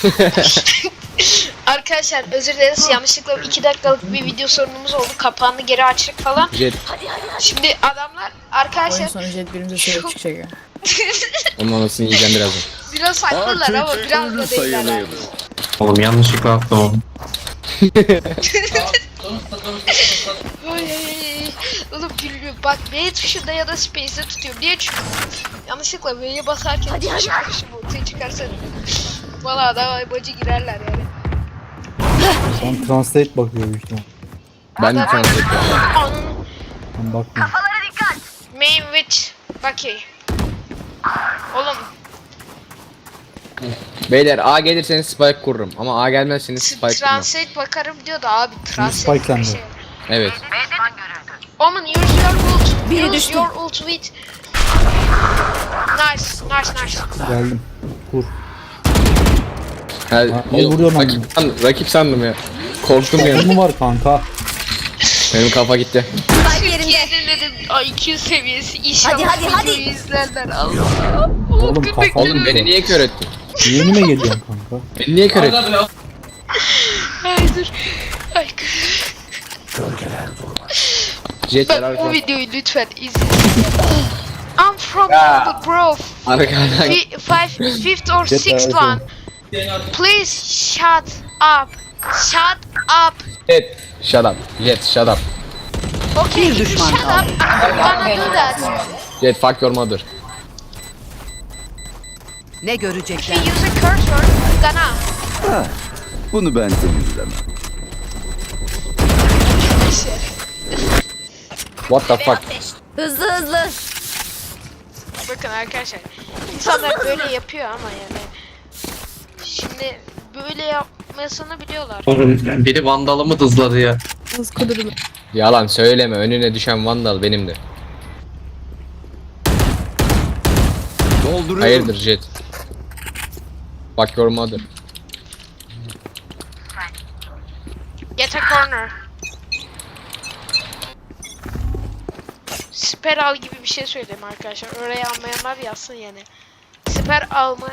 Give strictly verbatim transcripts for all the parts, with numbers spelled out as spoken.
Arkadaşlar özür dileriz, yanlışlıkla iki dakikalık bir video sorunumuz oldu. Kapağını geri açtık falan. Jet. Şimdi adamlar arkadaşlar Oyun sonu Jet birimize sebep çıkacak ya. Onun anasını yiyeceğim birazdan. biraz haklılar ama biraz da değiller. Oğlum yanlışlıkla attım onu. Ay, ay, ay. Oğlum gülüyor. Bak V tuşunda ya da space'de tutuyorum. Niye? Çünkü yanlışlıkla V'ye basarken hadi hadi ortaya çıkarsa valla adam bacı girerler yani. Sen translate bakıyor büyük ihtimal. Ben de translate yapıyorum. Anın Ben bakmıyorum. main with Bucky. Oğlum Beyler A gelirseniz spike kururum ama A gelmezseniz spike kurmam. translate bakarım diyor da abi translate spike bir sende. şey. Evet. Omen use your ult. Biri Use düştü. your ult with. Nice, nice, nice. Geldim. Kur. Ha, Ha, ne vuruyorsun rakip, sandım, rakip sandım ya. Korktum Ne ya. mi var kanka? Benim kafa gitti. Türkiye'de dedim I Q seviyesi inşallah Hadi, hadi, hadi. videoyu izlerler Allah. Oğlum kafa. Oğlum beni niye kör ettin? Yeni mi geliyorsun kanka? Beni niye kör ettin? Ay dur. Ay. Jet Bak arka. o videoyu lütfen izle. I'm from Ya. the grove. Arkadan. Fi- Five, fifth or Jet sixth arka. one. Please shut up. Shut up. Jet. Shut up. Jet shut up. Okay, Bir düşman shut kaldı. up. I'm gonna do that. Jet fuck your mother. Ne If you görecekler? use a curse word, I'm gonna. Bunu ben temizlemem. What the fuck? Hızlı hızlı. Bakın arkadaşlar, insanlar böyle yapıyor ama yani. Şimdi böyle yapmasını biliyorlar. Oğlum biri vandalımı dızladı ya. Hız kudurdu. Yalan söyleme. Önüne düşen vandal benimdir. Dolduruyorum. Hayırdır Jet? Fuck your mother. Get a corner. Siper al gibi bir şey söyleyeyim arkadaşlar. Oraya almayanlar yazsın yani. Siper alma...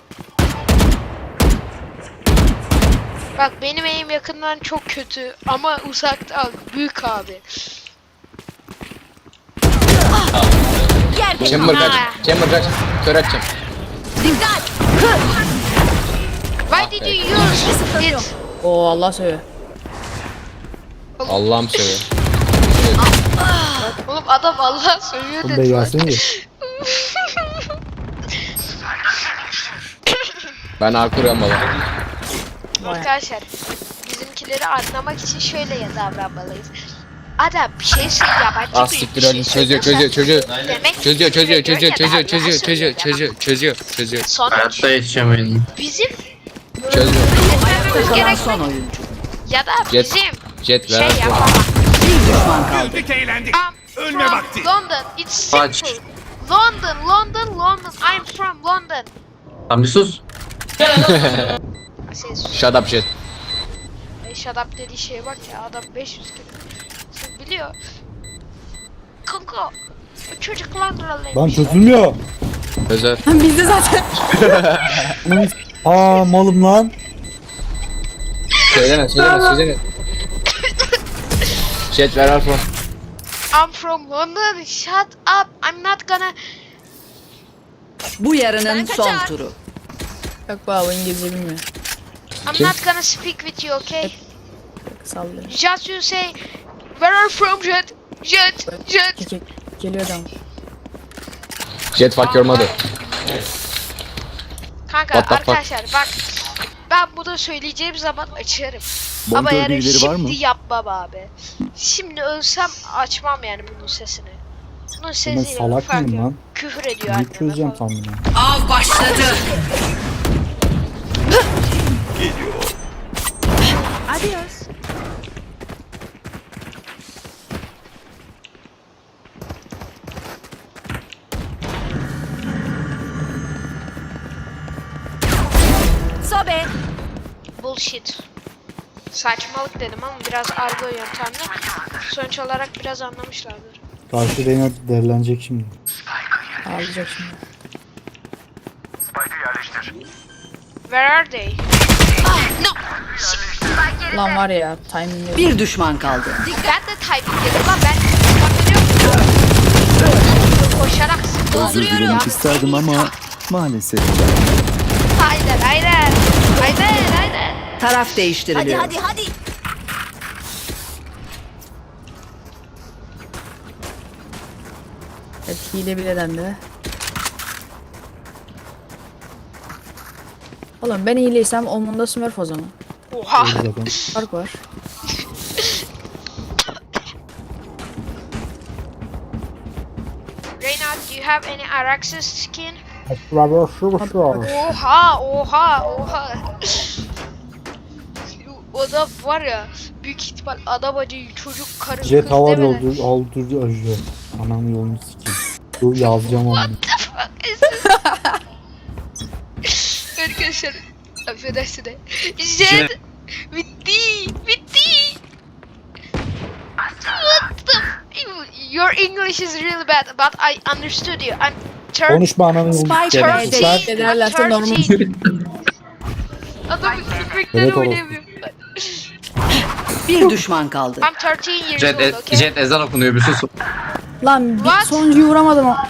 Bak benim eğim yakından çok kötü ama uzakta büyük abi. Chamber kaç. Ha. Chamber kaç. Kör atacağım. Dikkat. Why did you use it? Oo Allah söyle. Allah'ım söyle. Oğlum adam Allah söylüyor Oğlum dedi. be gelsene. Ben A kuruyorum baba. Arkadaşlar bizimkileri anlamak için şöyle ya davranmalıyız. Adam bir şey söylüyor yabancı Ah bir siktir şey öyle çözüyor çözüyor çözüyor. Demek Çözüyor çözüyor küfür çözüyor ediyor ya da çözüyor Allah çözüyor çözüyor söylüyor çözüyor çözüyor çözüyor demek. Sonuç Hayatta yetişemedim. bizim çözüyor. etmemiz Kalan gerek son oyuncu. ya da Jet bizim Jet şey ver. yapamaz. Bir düşman kaldı. Güldük eğlendik. I'm Ölme from vakti. London. It's Kaç. simple. London, London, London. I'm from London. Lan bir sus. Şey, sus. Shut up Jet. E, shut up dediği şeye bak ya adam beş yüz kere. Siz biliyor. Kanka. Bu çocuklarla Lan çözülmüyor. Özer. Bizde zaten. Aa malım lan. Söyleme söyleme söyleme. Jet ver alfa. I'm from London. Shut up. I'm not gonna. Bu yarının son turu. Yok baba İngilizce bilmiyor. I'm Kim? not gonna speak with you, okay? Sallıyor. Just you say, where are you from, Jet? Jet, Jet. Kekek geliyor adam. Jet fuck your mother. Kanka What the fuck? arkadaşlar bak, ben bunu söyleyeceğim zaman açarım. Ama Bonkör yani birileri var mı? şimdi yapmam abi. Şimdi ölsem açmam yani bunun sesini. Bunun Ben sesiyle salak fark mıyım yok. lan? Küfür ediyor Ne anneme çözeceğim falan. tam bunu? Av başladı. Adios. Sobe. Bullshit. Saçmalık dedim ama biraz argo yöntemli. Sonuç olarak biraz anlamışlardır. Karşı Reyna derilenecek şimdi. Ağlayacak şimdi. Where are they? No. Lan var ya timing yok. Bir düşman kaldı. Ben de timing dedim lan ben. Bak görüyor musun? Koşarak Özür dolduruyorum ya. dilemek isterdim ama maalesef. Aynen aynen. Aynen aynen. Taraf değiştiriliyor. Hadi hadi. Evet, hile bile dendi. Oğlum ben hileysem Omen'da Smurf o zaman. Oha. Zaten. Fark var. Reyna, do you have any Araxes skin? Oha. Oha oha oha. O da var ya büyük ihtimal adam acı çocuk karı Jet kız hava demeden. yolcu, altıncı ajı. Anam yolunu sikeyim. Dur yazacağım onu. What the fuck is this? Arkadaşlar affedersin de. Jet bitti bitti. What the Your English is really bad but I understood you. I'm Turk. Konuşma ananın yolunu Spike sikeyim. B'de. Sus lan. Turkey. Ederlerse normal. Adamın köpekleri Evet, oynayamıyor. Bir düşman kaldı. I'm thirteen years Jet, old, e- okay? Jet ezan okunuyor bir sus. Lan bir What? sonuncuyu vuramadım o.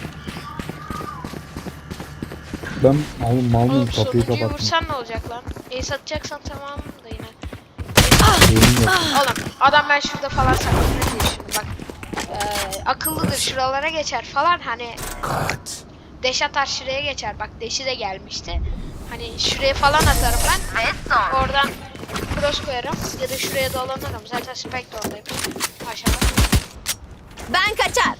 Ben malım mal mıyım Oğlum kapıyı sonuncuyu kapattım. vursan ne olacak lan? Ace atacaksan tamam da yine. Elim yok. Oğlum adam ben şurada falan saklanır diye şimdi bak. Ee, akıllıdır şuralara geçer falan hani. Deş atar şuraya geçer bak deşi de gelmişti. Hani şuraya falan atarım ben. Oradan cross koyarım ya da şuraya dolanırım. Zaten spike de oradayım. Aşağıda. Ben kaçar.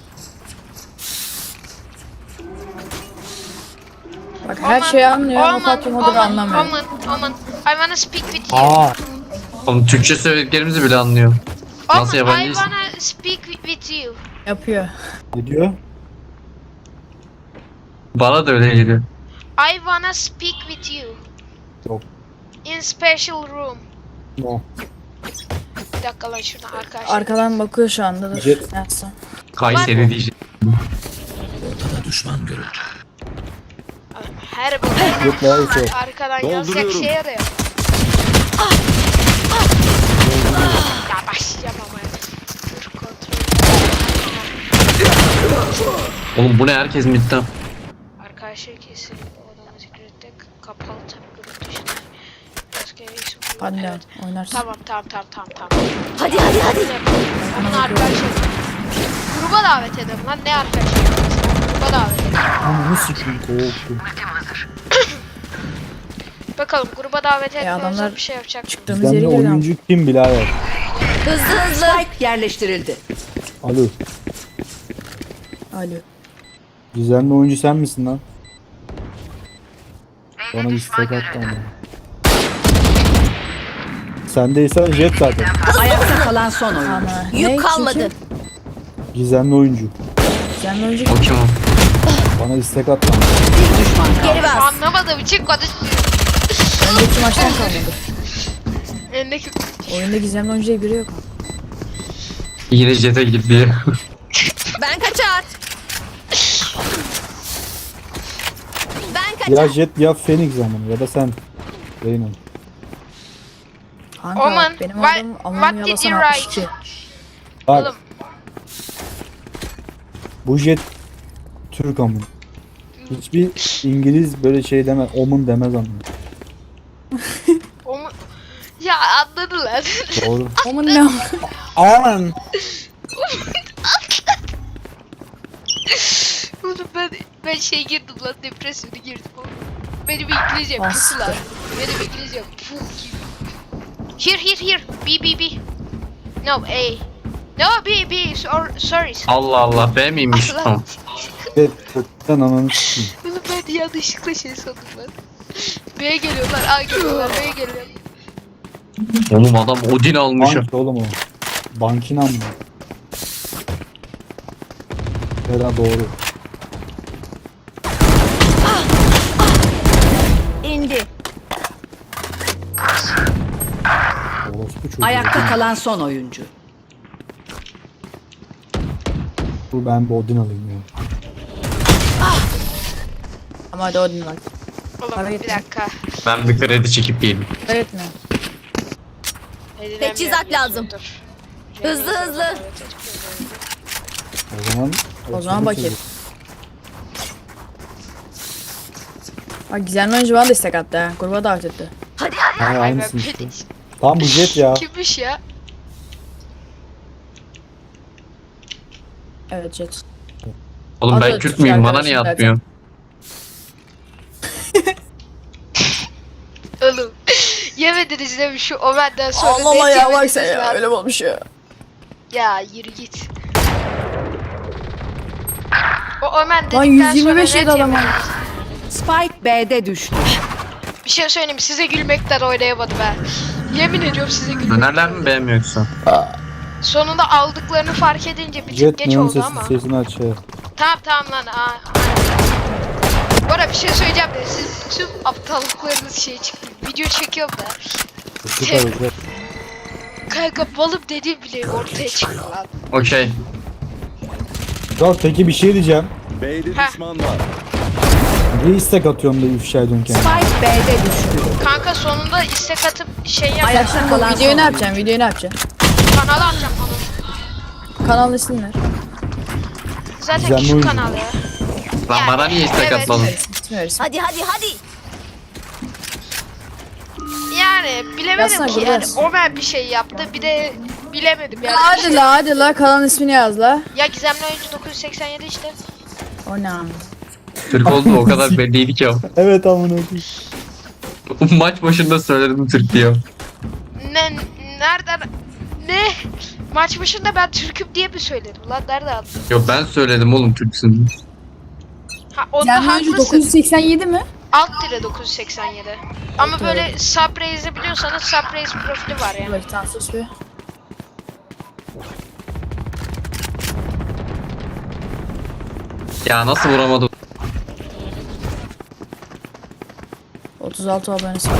Bak her şeyi anlıyor ama Oman, Fatih Modur'u Oman, anlamıyor. Oman, Oman. I wanna speak with you. Aa. Oğlum Türkçe söylediklerimizi bile anlıyor. Nasıl Oman, I yabancıyız? wanna speak with you. Yapıyor. Ne diyor? Bana da öyle geliyor. I wanna speak with you. Yok. In special room. No. Bir dakika lan şuradan arkadaşlar. Arkadan bakıyor şu anda dur. Jet. Ne yapsam? Kayseri diyecek. Her bu Jet bayağı iyi şey. arkadan yazacak şey arıyor. Ya başlayacağım ama. Dur kontrol. Oğlum bu ne herkes midden. Arkadaşlar kesin odamı zikrettik. Kapalı tabi grup dışında. Başka bir isim yok. Hadi Evet. lan oynarsın. Tamam tamam tamam tamam tamam. Hadi hadi hadi. Onun arkadaşlar. Gruba davet edelim lan ne arkadaşlar? Gruba davet edelim. Ananı sikeyim korktum. Bakalım gruba davet etmiyorsa adamlar bir şey yapacak mı? Çıktığımız Bizden yeri de görüyorum. oyuncu kim birader? Hızlı hızlı. Spike yerleştirildi. Alo. Alo. Gizemli oyuncu sen misin lan? Bana bir stack attı ama. Sendeysen Jet zaten. Ayakta kalan son oyun. Ama ne? Yük Kim kalmadı. kim? Gizemli oyuncu. Sen önce O kim o? Bana istek attı. Bir düşman kaldı. Geri bas. Anlamadığım için konuşmuyorum. önceki maçtan kalmadı. Elindeki Oyunda gizemli oyuncu diye biri yok. Yine Jet'e gitti. Ben kaçar. Ben kaçar. Ya Jet ya Phoenix zamanı ya da sen. Reynan. Kanka Oman, benim what- adım what Aman did Yalasan you altmış write? iki. Bak Oğlum bu Jet Türk amın. Hiçbir İngiliz böyle şey demez. Omun demez amın. o mu? Ya anladılar. Doğru. Oman ne? Aman. Oğlum ben ben şey girdim lan depresyona girdim oğlum. Benim İngilizcem Bastı. kötü lan. Benim İngilizcem puf gibi. Here here here. B B B. No A. No B B. Sor, sorry. Allah Allah B miymiş? Allah. Tamam. Jet kötüden ananı sikeyim. Oğlum ben yanlışlıkla şey sandım lan. B'ye geliyorlar, A geliyorlar, B'ye geliyorlar. Oğlum adam Odin almış. Bank oğlum o. Bankina mı? Hera doğru. İndi. Orospu çocuğu. Ayakta kalan son oyuncu. Dur ben bir Odin alayım ya. Ama hadi Odin bak. Oğlum Para bir yetmiyor. dakika. Ben bir kredi çekip geleyim. Evet mi? Edilemiyor Teçhizat diyorsun, lazım. dur. Hızlı hızlı. O zaman O zaman bakayım. Bak gizemli oyuncu bana destek attı ha. Gruba davet etti. Ha, Ay ben aynısın işte. bir- Tam bu jet ya. Kimmiş ya? Evet Jet. Oğlum Adı ben Kürt müyüm? Bana niye zaten. atmıyor? Oğlum. Yemediniz değil mi şu Omen'den sonra? Ağlama net ya yemediniz bak sen ya lan. öyle mi olmuş ya. Ya yürü git. O Omen dedikten Lan sonra yüz yirmi beş net yedi adam. yemediniz. Spike B'de düştü. Bir şey söyleyeyim mi? Size gülmekten oynayamadım ben. Yemin ediyorum size gülmekten. Dönerler mi beğenmiyor yoksa? Sonunda aldıklarını fark edince bir tık Jet geç neon oldu sesi, ama. sesini aç ya. Tamam tamam lan. Aa, bu arada bir şey söyleyeceğim de siz tüm aptallıklarınız şey çıktı. Video çekiyorum da. Süper güzel. Kanka balım dediğim bile ortaya çıktı lan. Okey. Ya peki bir şey diyeceğim. B'de Heh. düşman var. Bir istek atıyorum da ifşa ediyorsun kendini. Spike B'de düştü. Kanka sonunda istek atıp şey yap. Ayakta kalan Videoyu son ne yapacaksın? Videoyu ne yapacaksın? Kanala atacağım onu. Kanalın ismini ver. Zaten Güzel küçük oyuncu. kanal ya. Lan Yani, bana niye istek evet. atmadın? İsmi ver ismi. Hadi hadi hadi. Yani bilemedim Yazsana, ki dur, yani. yaz. Omen bir şey yaptı bir de bilemedim yani. Hadi la hadi la kanalın ismini yaz la. Ya Gizemli Oyuncu dokuz yüz seksen yedi işte. O ne abi? Türk oldu o kadar belliydi ki o. Evet amına koyayım. Maç başında söyledim Türk diyor. Ne nereden ne? Maç başında ben Türk'üm diye mi söyledim lan? Nerede attın? Yok ben söyledim oğlum Türksün. Ha onda Gizemli oyuncu dokuz haklısın. yüz seksen yedi mi? Alt dire dokuz yüz seksen yedi. Ama böyle Subraze'i biliyorsanız Subraze profili var yani. Bak tamam sus bir. Ya nasıl vuramadım? otuz altı abonesi var.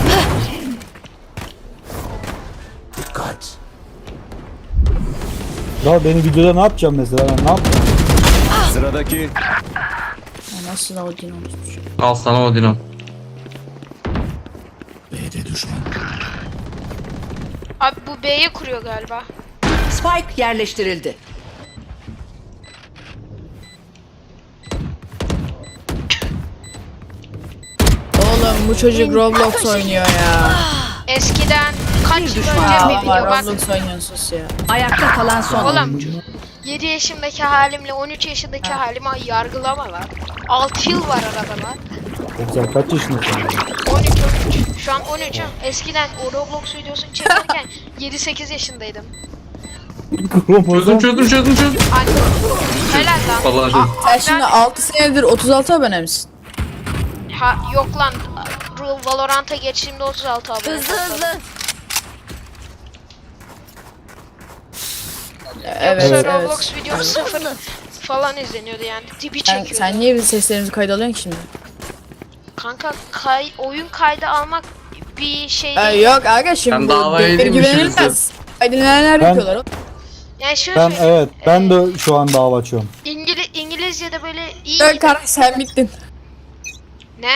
Ya beni videoda ne yapacağım mesela? Ben ne yapacağım? Sıradaki Ya nasıl da o din olmuş. Al sana Odin'o. Abi bu B'ye kuruyor galiba. Spike yerleştirildi. Oğlum bu çocuk Roblox oynuyor ya. Eskiden kaç yıl düşman önce kaldı. bir video Aa, bak. Roblox oynuyorsun sus ya. Ayakta kalan son Oğlum oyuncu. yedi yaşındaki halimle on üç yaşındaki halimi yargılama lan. altı yıl var arada lan. Güzel kaç yaşındasın? on üç on üç. Şu an on üçüm. Eskiden o Roblox videosunu çekerken yedi sekiz yaşındaydım. Çözdüm Kromozom. çözdüm çözdüm çözdüm. Anne. Helal lan. Vallahi Aa, Sen ben- şimdi altı senedir otuz altı abone misin? Ha, yok lan. Ru- Valorant'a geçtiğimde otuz altı abone. Hızlı hızlı. Evet Yoksa evet. Roblox videom sıfır falan izleniyordu yani. Dibi Sen, çekiyordu. sen niye bizim seslerimizi kayda alıyorsun ki şimdi? Kanka kay, oyun kaydı almak bir şey Ee, değil. yok aga şimdi Ben bu davaya devir edeyim güvenilmez. Kaydedilenler Ben- yapıyorlar. oğlum. Yani şöyle Ben evet ben de şu an dava açıyorum. İngili İngilizce'de böyle iyi Yok kardeş sen bittin. ne?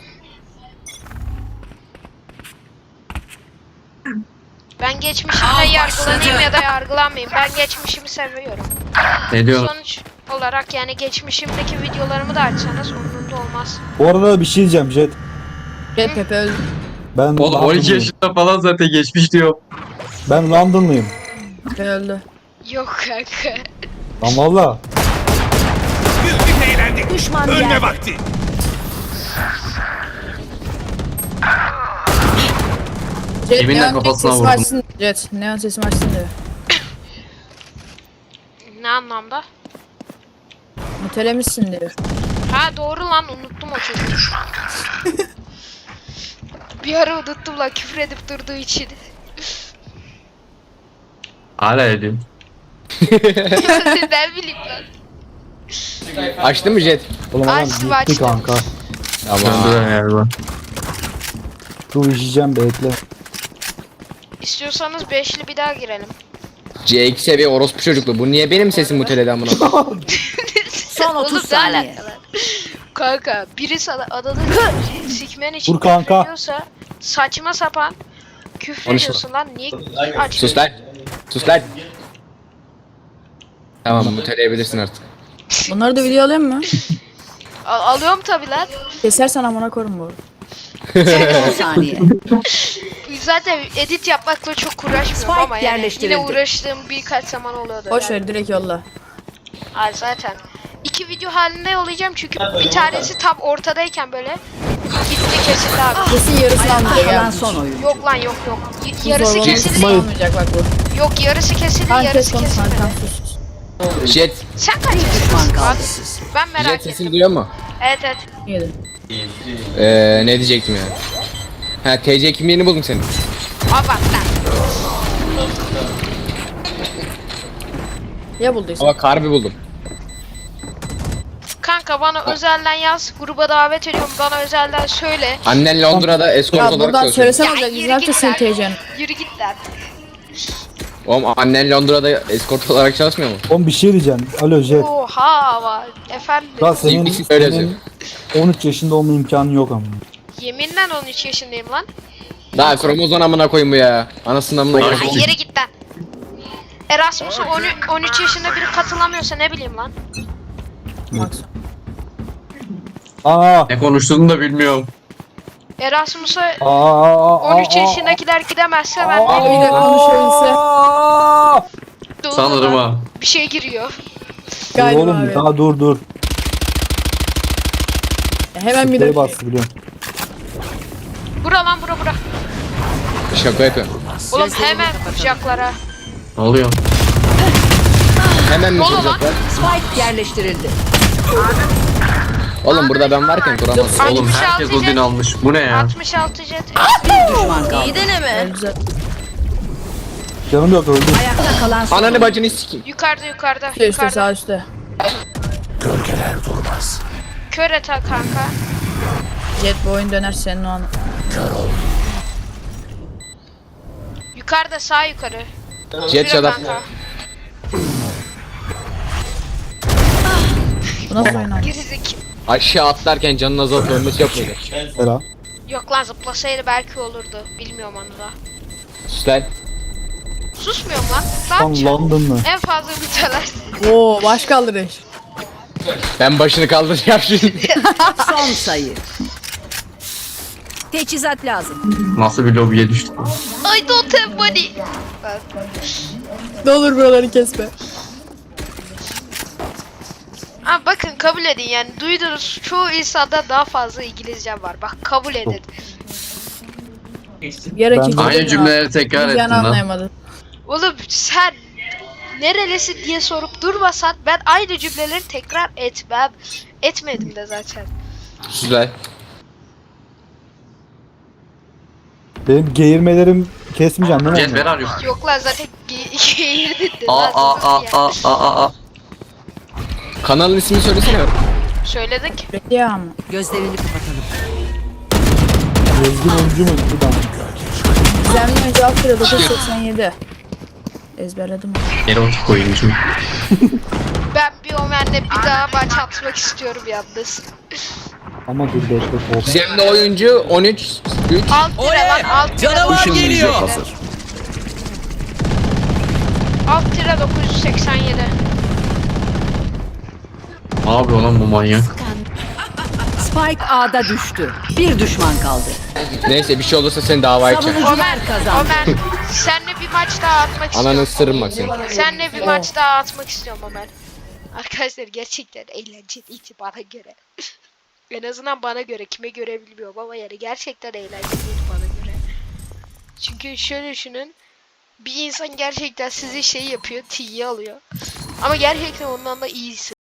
Ben geçmişimde yargılanayım ya da yargılanmayayım. Ben geçmişimi seviyorum. Ne diyorsun? Sonuç olarak yani geçmişimdeki videolarımı da açsanız umurumda olmaz. Bu arada bir şey diyeceğim Jet. Red Pepe öldü. Ben Oğlum on iki Londonluyum. yaşında falan zaten geçmiş diyor. Ben Londonluyum. Pepe öldü. Yok kanka. Lan valla. Düşman yerde. Jet Yeminle neon kafasına sesimi vurdum. açsın. Jet neon sesimi açsın diyor. Ne anlamda? Mutelemişsin diyor. Ha doğru lan unuttum o çocuğu. Bir ara unuttum lan küfür edip durduğu için. Hala ediyorum. Ben bileyim lan. Açtın mı Jet? Oğlum adam Açtım, gitti açtım. kanka. Tamam. Döndürüyorum galiba. Dur işeyeceğim bekle. İstiyorsanız beşli bir daha girelim. C iki seviye orospu çocuklu. Bu niye benim sesim muteledi amına? Son otuz Oğlum, ne saniye. alakalı? Kanka biri sana adını sikme küfürmen için Vur kanka. küfür ediyorsa saçma sapan küfür Konuşma. ediyorsun lan. Niye aç? Sus lan. Sus lan. Tamam muteleyebilirsin artık. Bunları da video alayım mı? Al- alıyorum tabi lan. Kesersen amına korum bu. on saniye. Zaten edit yapmakla çok uğraşmıyorum Spike ama yani yerleştirildi. yine uğraştığım birkaç zaman oluyordu. Boş yani. ver direkt yolla. Ay zaten. İki video halinde yollayacağım çünkü bir tanesi tam ortadayken böyle gitti kesildi abi. Kesin yarısını almayacak Kalan ya. son oyun. Yok lan yok yok. Y- Bu yarısı zorlamanın kesildi. kısmı almayacak bak bu. Yok yarısı kesildi Tamam kes yarısı konuş kesilmedi. tamam sus. Jet. Sen kaç Düşman yaşındasın? kaldı. Abi, ben merak Jet sesini ettim. duyuyor mu? Evet evet. Yedi. Ee, ne diyecektim ya? Ha T C kimliğini buldum senin. Abart lan. Ya bulduysan. Ama karbi buldum. Kanka bana özelden yaz. Gruba davet ediyorum. Bana özelden söyle. Annen Londra'da escort Ya olarak buradan çalışıyor. söylesene Ya olacak. yürü Biz ne yapacağız git senin lan. T C'ni? Yürü git lan. Oğlum annen Londra'da escort olarak çalışmıyor mu? Oğlum bir şey diyeceğim. Alo Jet. Oha var. Efendim. Ya senin, Bir şey öyle senin on üç yaşında olma imkanı yok ama. Yeminle on üç yaşındayım lan. Daha kromozon amına koyayım bu ya. Anasının amına Ay koyayım. yere git lan. Erasmus'a on üç yaşında biri katılamıyorsa ne bileyim lan. Max. Aa. Ne konuştuğunu da bilmiyorum. Erasmus'a Aa. on üç yaşındakiler gidemezse ben Abi bir ne de konuşabilse. bileyim. Sanırım ha. Bir şey giriyor. Galiba Oğlum abi. daha dur dur. Hemen bir Sprey de. bastı biliyorum. Bura lan bura bura. Şaka yapıyorum. Oğlum hemen kucaklara. Ne oluyor? Hemen mi Dolu lan. kuracaklar? Spike yerleştirildi. Oğlum burada ben varken kuramaz. Oğlum herkes Odin almış. Bu ne ya? altmış altı jet. Bir düşman kaldı. İyi deneme. Güzel. Canım yok öldü. Ayakta kalan son Ananı oyun. bacını sikeyim. Yukarıda yukarıda. Üstte üstte yukarıda. sağ üstte. Kör et ha kanka. Jet bu oyun döner senin o an. Yukarıda sağ yukarı. Jet Şurada shut up. kanka. Bu nasıl oyun abi? Girizik. Aşağı atlarken canın azalt ölmesi yapmayacak. Sera. Yok lan zıplasaydı belki olurdu. Bilmiyorum onu da. Sus lan. Susmuyorum lan. Ne Tam yapacağım? London mı? En fazla müteler. Oo baş kaldırış. Ben başını kaldıracağım şimdi. Son sayı. Teçhizat lazım. Nasıl bir lobiye düştük? I don't have money. Ne olur buraları kesme. Ama bakın kabul edin yani duydunuz çoğu insanda daha fazla İngilizcem var. Bak kabul edin. Gerek Ben- hiç Aynı değil cümleleri abi. tekrar Biz ettin yani lan. anlayamadım. Oğlum sen nerelisin diye sorup durmasan ben aynı cümleleri tekrar etmem. Etmedim de zaten. Sus lan. Benim geğirmelerim kesmeyeceksin değil mi? Jet ver arıyor. Yok lan zaten ge- geğirdin de Aa lan aa aa sus ya. aa aa aa. Kanalın ismini söylesene. Söyledik. Ya ama. Gözlerini kapatalım. Ezgin oyuncu mu? Bir daha. Gizemli önce alt lira dokuz seksen yedi. Ezberledim. Yere otur koyayım şimdi. Ben bir Omen'le bir daha maç atmak istiyorum yalnız. Ama dur bekle. Kork. Gizemli oyuncu on üç üç. Alt lira lan alt lira. Canavar dokuz yüz geliyor. seksen yedi. Alt lira dokuz yüz seksen yedi. Abi olan bu manyak. Spike A'da düştü. Bir düşman kaldı. Neyse bir şey olursa seni davaya açacağım. Savunucular kazandı. Omen senle bir maç daha atmak istiyorum. Ananı ısırırım bak seni. Senle bir maç daha atmak istiyorum Omen. Arkadaşlar gerçekten eğlenceliydi bana göre. En azından bana göre, kime göre bilmiyorum ama yani gerçekten eğlenceliydi bana göre. Çünkü şöyle düşünün. Bir insan gerçekten sizi şey yapıyor, tiye alıyor. Ama gerçekten ondan da iyisi.